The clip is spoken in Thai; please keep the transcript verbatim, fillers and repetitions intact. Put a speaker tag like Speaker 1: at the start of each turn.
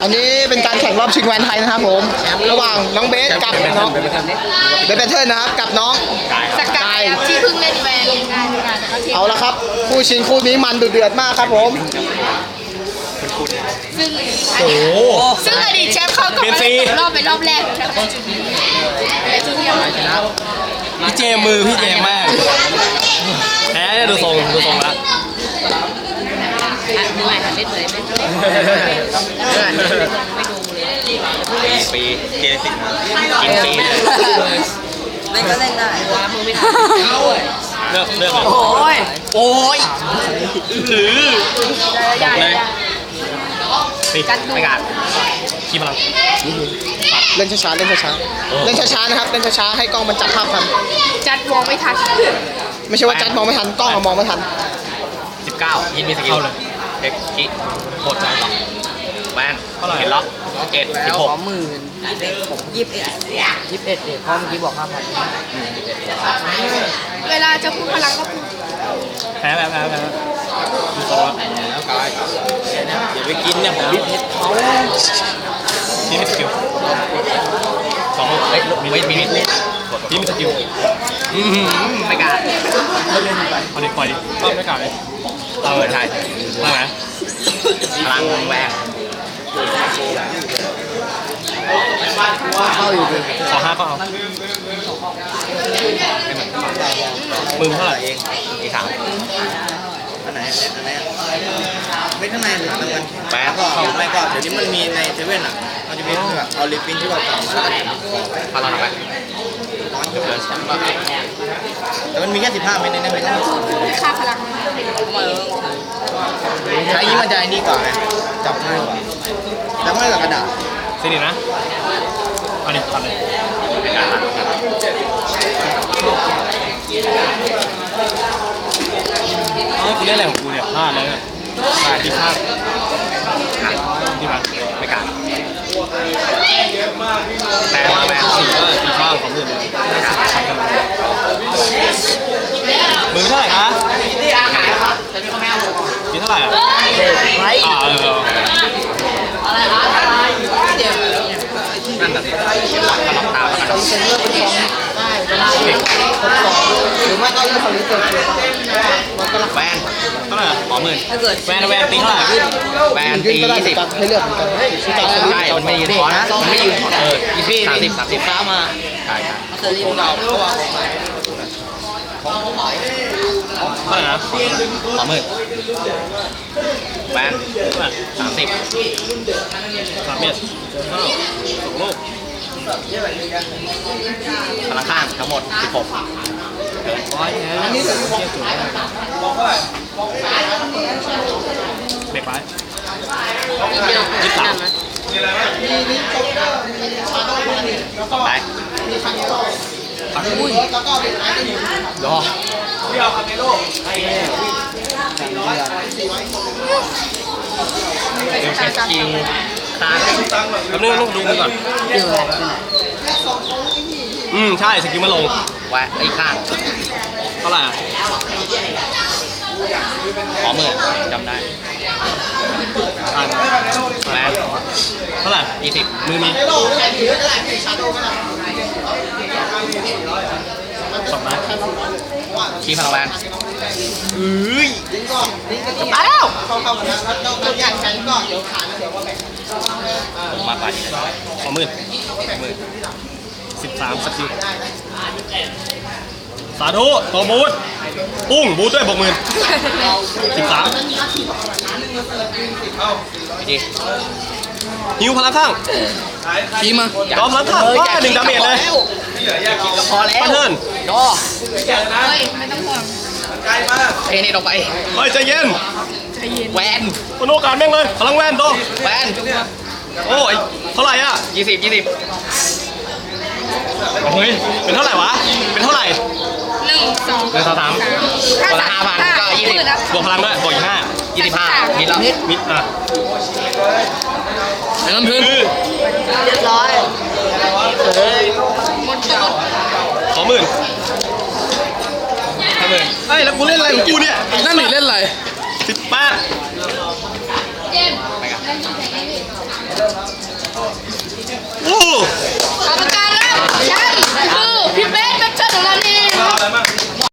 Speaker 1: อันนี้เป็นการแข่งรอบชิงแวนไทยนะครับผมระหว่างน้องเบสกับน้องเบสแพทเทิร์นนะครับกับน้อง
Speaker 2: สกายที่เพิ่งเล่นแวน
Speaker 1: เอาละครับคู่ชิงคู่นี้มันดุเดือดมากครับผม
Speaker 2: ซึ่งโอ้ซึ่งอดีตแชมป์เขาก็มาเล่นรอบเป็นรอบแรก
Speaker 3: พี่เจมือพี่เจมากแพ้ดูทรงดูทรงละ
Speaker 2: มือใหม่หันเล่นเลยไม่ดู
Speaker 3: ปีเจสิกินปี
Speaker 2: เล่นก็เล่นได้ว้ามือไม่ทัน
Speaker 3: เลือกเลือก
Speaker 2: โอ้ย
Speaker 3: โอ้ยหรือเลยปีไม่กัดขี้พลัง
Speaker 1: เล่นช้าๆเล่นช้าๆเล่นช้าๆนะครับเล่นช้าๆให้กล้องมันจับภาพทัน
Speaker 2: จัดมองไม่ทัน
Speaker 1: ไม่ใช่ว่าจัดมองไม่ทันกล้องมองไม่ทัน
Speaker 3: สิบเก้ายินมีสกิลเลยเด็กกี้โคตรใจต่อแวนเห็นล็อกเอ็ดสิบหก
Speaker 2: หมื่นผมยี่สิบเอ็ดยี่สิบเอ็ดเด็กเพราะเมื่อกี้บอกห้าพันเวลาจะพูดพลังก็พูด
Speaker 3: แพ้แพ้แพ้แพ้ดูตัวแล้วกายอย่าไปกินเนี่ยผมวิทย์เขาที่มีสกิลสองเล็กไม่มีนิดที่มีสกิลไม่กล้าเอาดิปล่อยดิก็ไม่กล้าเลยเราเลยใช่มาไหมพลังแหวก
Speaker 1: เข้าอยู่ดิ
Speaker 3: ขอห้าก็เอามือเท่าไหร่เองอีกสาม
Speaker 4: อันไหนอันไหนไม่ข้างในหลังมันแปดก็ไม่ก็เดี๋ยวนี้มันมีในเซเว่นอ่ะมันจะมีแบบเอาลิปปิ้นที่เราต่ำมา
Speaker 3: พลังไป
Speaker 4: แต่มันมีแค่สิบห้าเมตรในนั้นไม่ได้
Speaker 2: ค่าพลัง
Speaker 4: ใช้ยี่มันใจนี่ก่อนไงจับง่ายกว่าแต่ไม่กับกระดาษ
Speaker 3: สินี่นะเอาดิทำเลยเอ้ยกูเล่นอะไรของกูเนี่ยพลาดเลยพลาดที่พลาดที่พลาดไม่กล้าแต่มาแมนสี่ก็ตีข้าวของมือมือเท่าไหร่คะมีเท่าไหร่อ่ะอ่าเออ
Speaker 2: อะไรคะเดี๋ยว
Speaker 3: นั่นแบบตลอดตาแล้วกัน
Speaker 1: หรือไม่ก็เล่นคอมพิวเตอร์
Speaker 3: แวนเท่าไหร่ขอหมื่นแวนแวนตีเท่าไหร่แวนตียี่สิบ
Speaker 1: ให้เลือกเหมือนกัน
Speaker 3: ใช่มันไม่ยืนขอนะมันไม่ยืนเออยี่สิบสามสิบสามสิบฟ้ามาใช่ใช่
Speaker 2: เคยรีบเรา
Speaker 3: เท่าไหร่นะขอหมื่นแวนสามสิบสามเมตรเท่าสองลูกพลังข้างทั้งหมดสิบหกอันนี้จะเทียบจุดเบรกไปยี่สิบสามต่อไปปักบุ้ยรอเดียวครับในโลกเดี๋ยวเช็คคิวค้างแป๊บนึงลูกดูมือก่อนอืมใช่สกิลมาลงแวะไอ้ข้างเท่าไหร่ขอหมื่นจำได้อ่านแวะเท่าไหร่ยี่สิบมือมีสองนะขี้พลังแวนเอ้ยมาแล้วเข้าเข้ากันนะแล้วเราอยากใช้ก็เดี๋ยวขาเดี๋ยวว่าแบ่งมาไปขอหมื่นหมื่นสิบสามสกิลสาธุตัวบูทปุ้งบูทด้วยบวกหมื่นสิบสามดีฮิวพลังข้างทีมาดอมพลังข้างว่าหนึ่งดาเมจเลย
Speaker 2: พอแล้ว
Speaker 3: ปันเทิร์น
Speaker 2: ดอเฮ้ยไม่ต้องห่วงเทนี่ลงไป
Speaker 3: เฮ้ยใจเย็น
Speaker 2: แวน
Speaker 3: คนโอกาสแม่งเลยพลังแวนโต
Speaker 2: แวน
Speaker 3: โอ้ยเท่าไหร่อ่ะยี่สิบยี่สิบเฮ้ยเป็นเท่าไหร่วะเป็นเท่าไหร่
Speaker 2: หนึ่งสอง
Speaker 3: หนึ่งสองสามคนละห้าพันก็ยี่สิบบวกพลังด้วยบวกอีกห้ายี่สิบห้ามิดแล้วมิดอ่ะไอ้น้ำพื้น
Speaker 2: เรียบร้อยเฮ้ยหมดจด
Speaker 3: สองหมื่นห้าหมื่นเฮ้ยแล้วกูเล่นอะไรของกูเนี่ย
Speaker 1: นั่นหนีเล่นอะไร
Speaker 3: สิบแปดโอ้
Speaker 2: กรรมการครับแชมป์คือพี่เบสแบทเทิลของเรานี่